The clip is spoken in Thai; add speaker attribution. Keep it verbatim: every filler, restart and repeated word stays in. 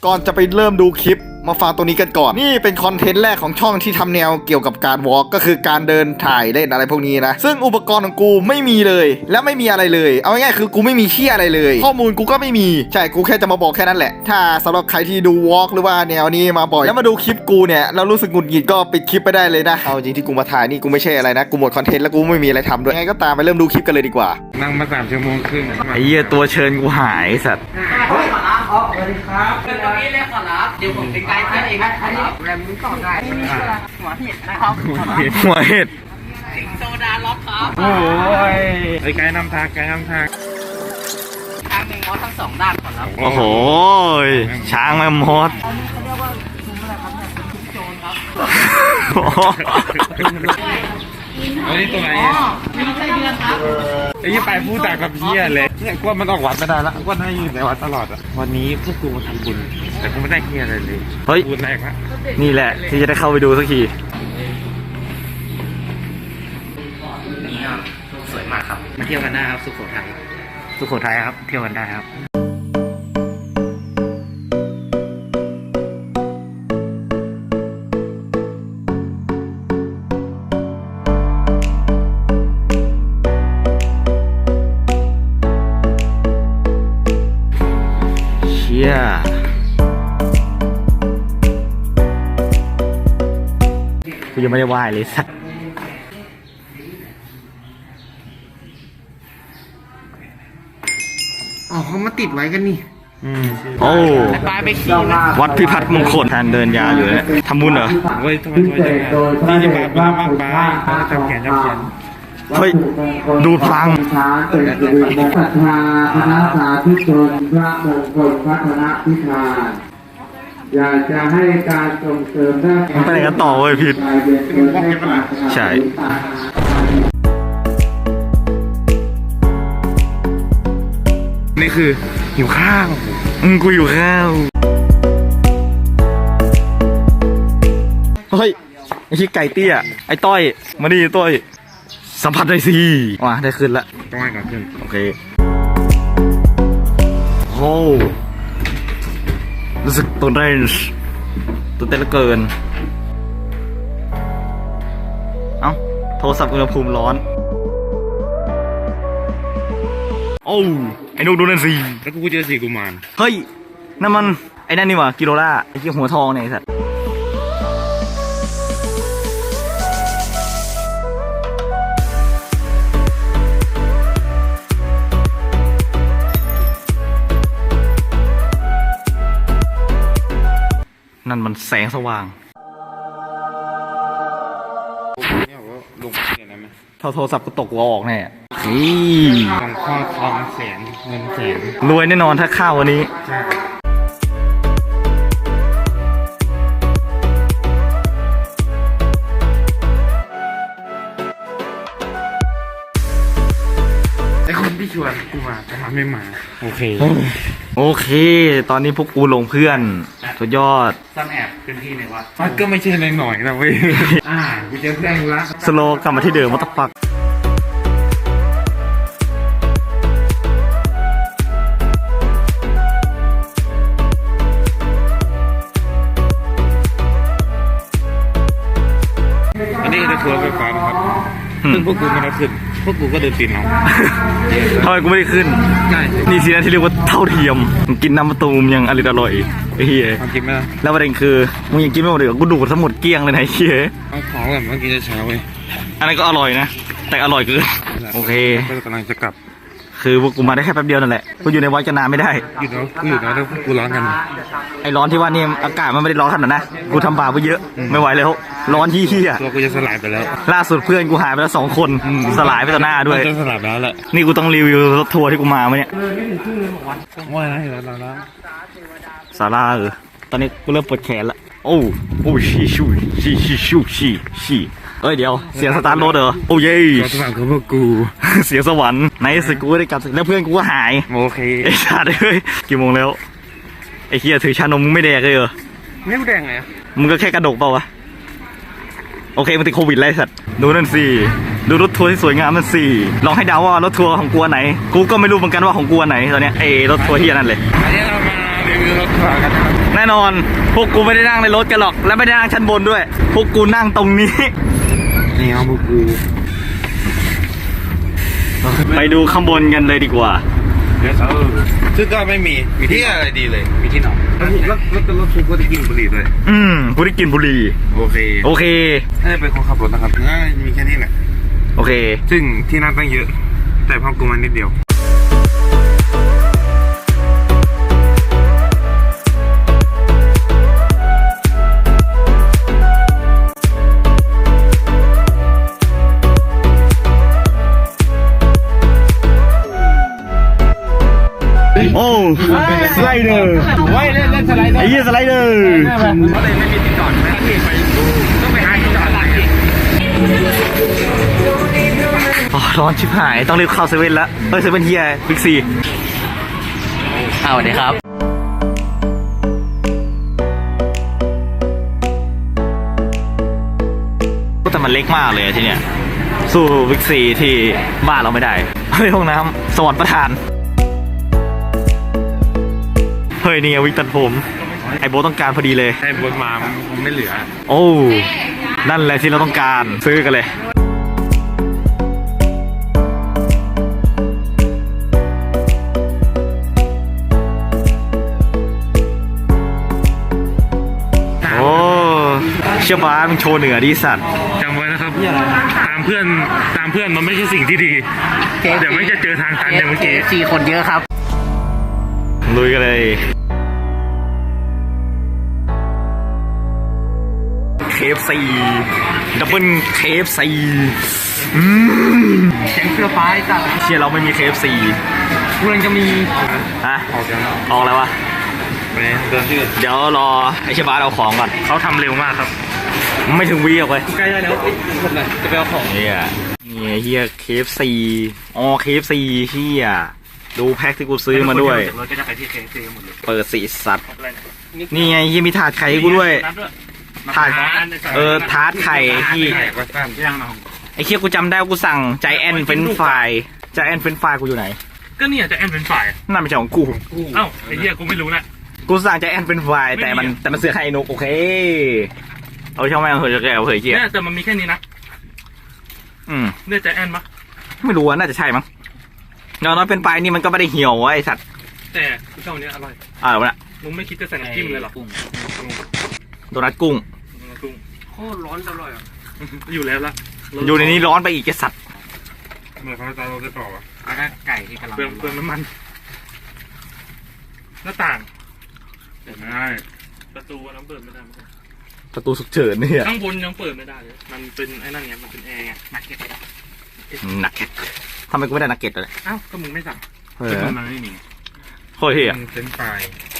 Speaker 1: ก่อนจะไปเริ่มดูคลิปมาฟังตรงนี้กันก่อนนี่เป็นคอนเทนต์แรกของช่องที่ทำแนวเกี่ยวกับการวอล์กก็คือการเดินถ่ายเล่นอะไรพวกนี้นะซึ่งอุปกรณ์ของกูไม่มีเลยและไม่มีอะไรเลยเอาง่ายๆคือกูไม่มีเหี้ยอะไรเลยข้อมูลกูก็ไม่มีใช่กูแค่จะมาบอกแค่นั้นแหละถ้าสำหรับใครที่ดูวอล์กหรือว่าแนวนี้มาบ่อยแล้วมาดูคลิปกูเนี่ยแล้วรู้สึกหงุดหงิดก็ปิดคลิปไปได้เลยนะเอาจริงที่กูมาถ่ายนี่กูไม่ใช่อะไรนะกูหมดคอนเทนต์แล้วกูไม่มีอะไรทำด้วยยังไงก็ตามไปเริ่มดูคลิปกันเลยดีกว่า
Speaker 2: นั่งมาสามชั่วโมงครึ่ง
Speaker 1: ไอ้เหี้ยตัวเชิญกูหายสัตว์
Speaker 3: ขอรับอ๋อสวัสดีครับเป็นตรงนี้เลยขอรับเดี๋ยวผมเป็นไกด์ให้เองครับแรมนี้ก่อนได้หัวเห็ดนะครับ
Speaker 1: หัวเห็ด
Speaker 3: สิงโซดาล็อกครับ
Speaker 2: โอ้ยไอ้ไกด์นำทางไกด์นำทาง
Speaker 3: ทางหนึ่งมอสทั้งสองด้านขอรับ
Speaker 1: โอ้โหช้างแม่มด
Speaker 3: อันนี้เขาเรียกว่าซุ้มอะไรครับเนี่ยเป็นซุ้มโจรครับ
Speaker 2: อันนี้ตัวไหน
Speaker 3: อ๋อมีไส้เดือนครับ
Speaker 2: ไอ้ยี่ไปพูดแต่กับเพี้ยเลยเนี่ยกูว่ามันออกวัดไม่ได้ละกูว่าน่าอยู่ในวัดตลอดอ่ะวันนี้พวกกูมาทำบุญแต่กูไม่ได้เพี้ยอะไรเลย
Speaker 1: เฮ้ย
Speaker 2: บุญแรกละ
Speaker 1: นี่แหละที่จะได้เข้าไปดูสักที
Speaker 3: นี่ครับสวยมากครับมาเที่ยวกันได้ครับสุโขทัยสุโขทัยครับเที่ยวกันได้ครับ
Speaker 1: เชี่ยกูยังไม่ได้ไหว้เลยสัก
Speaker 3: อ๋อเขามาติดไว้กันนี่
Speaker 1: โอ้
Speaker 3: ปลาไปขี่
Speaker 1: วัดพิพัฒน์มงคลทานเดินยาอยู่เนี่ยทำบุญเหรอ
Speaker 2: เฮ้ยทำไมทำไมจังนี่จะมาบ้ามากไปทำแขนทำแขน
Speaker 1: เฮ้ยดูดพลัง
Speaker 4: ช้างเป็นสิริมงคลศรัทธาคณะสาธุชนพระมงคลพัฒนพิธาอยากจะให้การส่งเสริมด้าน
Speaker 1: มันไปไหนกันต่อเว้ยพิษใช่
Speaker 2: นี่คือหิวข้าว
Speaker 1: อืมกูอยู่ข้าวเฮ้ยไอ้ที่ไก่เตี้ยไอ้ต้อยมาดิต้อยสัมผัสได้สิว้าได้ขึ้นละ
Speaker 2: ต้องให้ก่อนขึ้น
Speaker 1: โอเคโอ้รู้สึกตื่นเต้นตื่นเต้นเหลือเกินเอ้าโทรศัพท์อุณหภูมิร้อนโอ้ไอ้นุกดูนั่นสิ
Speaker 2: แล้วกูเจอสี่กุมาร
Speaker 1: เฮ้ยนั่นมันไอ้นั่นนี่หว่ากิโลล่าไอ้ที่หัวทองเนี่ยไอ้สัตว์นั่นมันแสงสว่าง
Speaker 2: เนี่ยว่าลงเนี่ยนะมั้ย
Speaker 1: เท่าโทรศัพท์กูตกหัวออกแน่อี
Speaker 2: ของข้อทองแสนเงินแสน
Speaker 1: รวยแน่นอนถ้าข้าววันนี้
Speaker 2: ไอคนที่ชวนกูมาแต่มันไม่มาโอเค
Speaker 1: โอเคตอนนี้พวกกูลงเพื่อนสุดยอด
Speaker 3: ซ่อนแอบพื้นที่ในวัด
Speaker 2: มันก็ไม่ใช่ในหน่อยนะเว้ยอ่ากูจะแจ้งละ
Speaker 1: สโลกลับมาที่เดิมมาตะปัก
Speaker 2: อันนี้คือทัวร์ไฟฟ้านะครับซึ่งพวกกูไม่ได้ขึ้นพวกกูก็เดินปีนเอา
Speaker 1: ทำไมกูไม่ได้ขึ้นนี่สินะที่เรียกว่าเท่าเทียมกินน้ำมะตูมยังอร่อยอร่อยไอ้เหี้ย
Speaker 2: กินไหม
Speaker 1: แล้วประเด็นคือมึงยังกินไม่หมดเลยกูดูดทั้งหมดเกลี้ยงเลยนะไอ้เหี้ย
Speaker 2: เอาของแบบเมื่อกี้จะเช้าเว้ย
Speaker 1: อันนั้นก็อร่อยนะแต่อร่อยเกินโอเค
Speaker 2: ก็กำลังจะกลับ
Speaker 1: คือพวกกูมาได้แค่แป๊บเดียวนั่นแหละกูอยู่ในวัดกันนานไม่ได้
Speaker 2: อยู่เนาะกูอยู่เนาะแล้วกูร้อนกัน
Speaker 1: ไอ้ร้อนที่ว่านี่อากาศมันไม่ได้ร้อนขนาดนั้นนะกูทำบาปไปเยอะไม่ไหวแล้วร้อนที่เหี้ย
Speaker 2: ตัวกูจะสลายไปแล้ว
Speaker 1: ล่าสุดเพื่อนกูหายไปแล้วสองคนสลายไปต่อหน้าด้วย
Speaker 2: จะสลายแล้วแหละ
Speaker 1: นี่กูต้องรีวิวรถทัวร์ที่กูมาเมื่อเนี่ย
Speaker 2: ว่าอะไรแล้วแล้ว
Speaker 1: สาราเออตอนนี้กูเริ่มปวดแขนละโอ้โอ้ชีชูชีชีชูชีชีเอ้ยเดี๋ยวเสียงสตาร์ทรถเหรอโอ้เย่
Speaker 2: สวรรค์ของพวกกู
Speaker 1: เสียงสวรรค์ในสุดกูได้กลับแล้วเพื่อนกูก็หาย
Speaker 2: โอเค
Speaker 1: ไอ้ชาติเฮ้ยกี่โมงแล้วไอ้เฮียถือชานมมึงไม่แดกเลยเหรอ
Speaker 2: ไม่แดงไง
Speaker 1: มึงก็แค่กระดกเปล่าวะโอเคมันติดโควิดไรสัตว์ดูนั่นสิดูรถทัวร์ที่สวยงามนั่นสิลองให้เดาว่ารถทัวร์ของกูไหนกูก็ไม่รู้เหมือนกันว่าของกูไหนตอนเนี้ยไอ้รถทัวร์ที่นั่นเลย
Speaker 2: อันนี้เรามาเรีมีรถขวากันนะครับ
Speaker 1: แน่นอน พวกกูไม่ได้นั่งในรถกันหรอก และไม่ได้นั่งชั้นบนด้วย พวกกูนั่งตรงนี้
Speaker 2: นี่เอาพวกกู
Speaker 1: ไปดูข้างบนกันเลยดีกว่า
Speaker 2: เดี๋ยวเออซึ่งก็ไม่มีมีที่อะไรดีเลยมีที่นอนแล้วแล้วแล้วรถทุกก็ได้กินบุหรี่ด้วย
Speaker 1: อืมกูได้กินบุหรี่
Speaker 2: โอเค
Speaker 1: โอเค
Speaker 2: น่าจะเป็นคนขับรถนะครับน่าจะมีแค่นี้แหละ
Speaker 1: โอเค
Speaker 2: ซึ่งที่นั่งตั้งเยอะ แต่ห้องกูมันนิดเดียว
Speaker 1: โอ้สไลเดอร์
Speaker 2: ไว้เล่นเล่นสไลเดอร์
Speaker 1: ไอ้เหี้ยสไลเดอร์
Speaker 2: เขาเลยไม่มีที่จอดนะที่ไปต้องไปหาที่จอดหลังอีก
Speaker 1: อ๋อร้อนชิบหาย ต้องรีบเข้าเซเว่นแล้วเฮ้ยเซเว่นเฮียบิ๊กซีอ้าวสวัสดีครับ แต่มันเล็กมากเลยอะที่เนี่ย สู้บิ๊กซีที่บ้านเราไม่ได้ เฮ้ยห้องน้ำสวรรค์ประทาน เฮ้ยนี่ไงวิกตัดผม ไอโบทต้องการพอดีเลย
Speaker 2: ใช่บนมามันไม่เหลือ
Speaker 1: โอ้ นั่นแหละที่เราต้องการซื้อกันเลย โอ้เชื่อบ้ามึงโชว์เหนือดิสัตว์
Speaker 2: จำไว้นะครับตามเพื่อนตามเพื่อนมันไม่ใช่สิ่งที่ดีเดี๋ยวไม่จะเจอทางตันอย่างเมื่อกี้
Speaker 3: สี่คนเยอะครับ
Speaker 1: ลุยกันเลย เค เอฟ ซี ดับเบิล เค เอฟ ซี อืม
Speaker 3: แกงเสื้อฟ้าจ้ะ
Speaker 1: เชี่ยเราไม่มี เค เอฟ ซี
Speaker 3: กูกำลังจะมี
Speaker 1: ฮะ
Speaker 2: ออกกัน
Speaker 1: ออกแล้ววะ
Speaker 2: ไปเดินที่
Speaker 1: เดี๋ยวรอไอเชยบาสเอาของก่อน
Speaker 2: เขาทำเร็วมากครับ
Speaker 1: ไม่ถึงวีออกเลย
Speaker 2: ใกล้ได้แล้วหมดเลยจะไปเอาของ
Speaker 1: เฮียนี่เฮีย เค เอฟ ซี อ๋อ เค เอฟ ซี เฮียดูแพ็คที่กูซื้อมาด้วย
Speaker 2: เราก็จะไปที่เคซีหมดเลย
Speaker 1: เปิดสีสัตว์ นี่ไงเฮียมีถาดไข่ให้กูด้วย ถาดเออทาร์ตไข่ที่
Speaker 2: วัดสั้นย่างน้อง
Speaker 1: ไอ้เคียกูจำได้ว่ากูสั่งใจแอนเฟนฟรายใจแอนเฟนฟรายกูอยู่ไหน
Speaker 2: ก็เนี่ยจะแอนเป็นฝ่าย
Speaker 1: นั่นไม่ใช่ของกู
Speaker 2: เอ้าไอ้เหี้ยกูไม่รู้นะ
Speaker 1: กูสั่งใจแอนเฟนฟรายแต่มันแต่มันเสือไข่นกโอเค เอาช่างแม่งเหยจะแกเอาเหยเคีย
Speaker 2: เนี่ยแต่มันมีแค่นี้นะ
Speaker 1: อืม
Speaker 2: เนี่ยจะแอนปะ
Speaker 1: ไม่รู้ว่าน่าจะใช่มั้งอย่างน้อยเป็นปลายนี่มันก็ไม่ได้เหี่ยวไอ้สัตว์
Speaker 2: แต่เจ้าเนี้ยอร่อย
Speaker 1: อ่าวะน่ะ
Speaker 2: มึงไม่คิดจะใส่น้ำจิ้มเลยหรอ
Speaker 1: โดนัทกุ้ง
Speaker 2: กุ้งโคตรร้อนอร่อยอ่ะอยู่แล้วละ
Speaker 1: อยู่ในนี้ร้อนไปอีกไอ้สัตว์
Speaker 2: เหมือนเขาจะเราจะต่ออ่ะ
Speaker 3: แล้วก็ไก่ที่กำลัง
Speaker 2: เปลืองเปลืองน้ำมัน หน้าต่างเปิดไม่ได้ประตูน้ำเปิดไม่ได้
Speaker 1: ประตูฉุกเฉินเนี่ย
Speaker 2: ข้างบนยังเปิดไม่ได้เลยมันเป็นไอ้นั่นไงมันเป็นแอร์ไงนักเก็ต
Speaker 1: นักเก็ตทำไมกูไม่ได้นักเก็ตเลย
Speaker 2: อ้าวก็มึงไม่สั่ง
Speaker 1: เออ
Speaker 2: มันไม่มี
Speaker 1: โคตรเฮีย
Speaker 2: มันเป็นไฟ